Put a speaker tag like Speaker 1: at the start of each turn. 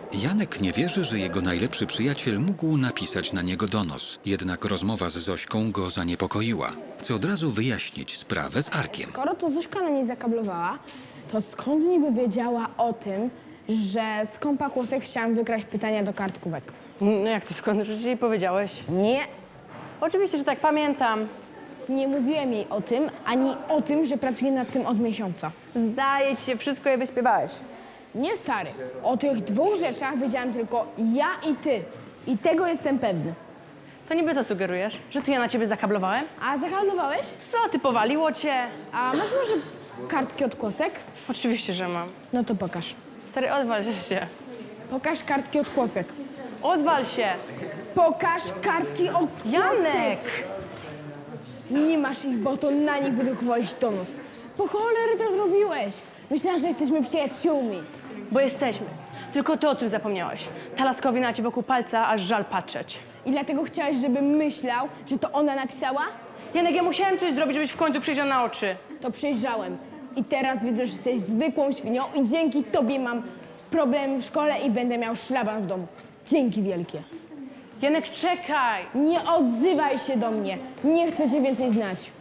Speaker 1: Janek nie wierzy, że jego najlepszy przyjaciel mógł napisać na niego donos. Jednak rozmowa z Zośką go zaniepokoiła. Chce od razu wyjaśnić sprawę z Arkiem.
Speaker 2: Skoro to Zośka na mnie zakablowała, to skąd niby wiedziała o tym, że z kompa kłosek chciałam wykraść pytania do kartkówek?
Speaker 3: No jak to skąd? Przecież jej powiedziałeś.
Speaker 2: Nie,
Speaker 3: Oczywiście, że tak, pamiętam.
Speaker 2: nie mówiłem jej o tym, ani o tym, że pracuję nad tym od miesiąca.
Speaker 3: Zdaje ci się, wszystko jej wyśpiewałeś.
Speaker 2: Nie, stary. O tych dwóch rzeczach wiedziałam tylko ja i ty. I tego jestem pewny.
Speaker 3: To niby co sugerujesz? Że to ja na ciebie zakablowałem?
Speaker 2: A zakablowałeś?
Speaker 3: Co, ty powaliło cię?
Speaker 2: A masz może kartki od kłosek?
Speaker 3: Oczywiście, że mam.
Speaker 2: No to pokaż.
Speaker 3: Stary, odwal się.
Speaker 2: Pokaż kartki od kłosek.
Speaker 3: Odwal się!
Speaker 2: Pokaż kartki od kłosek!
Speaker 3: Janek!
Speaker 2: Nie masz ich, bo to na nich wydrukowałeś donos. Po cholery to zrobiłeś. Myślałam, że jesteśmy przyjaciółmi.
Speaker 3: Bo jesteśmy. Tylko ty o tym zapomniałeś. Ta laskowina ci wokół palca, aż żal patrzeć.
Speaker 2: I dlatego chciałeś, żebym myślał, że to ona napisała?
Speaker 3: Janek, ja musiałem coś zrobić, żebyś w końcu przyjrzał na oczy.
Speaker 2: To przyjrzałem. I teraz widzę, że jesteś zwykłą świnią i dzięki tobie mam problemy w szkole i będę miał szlaban w domu. Dzięki wielkie.
Speaker 3: Janek, czekaj!
Speaker 2: Nie odzywaj się do mnie. Nie chcę cię więcej znać.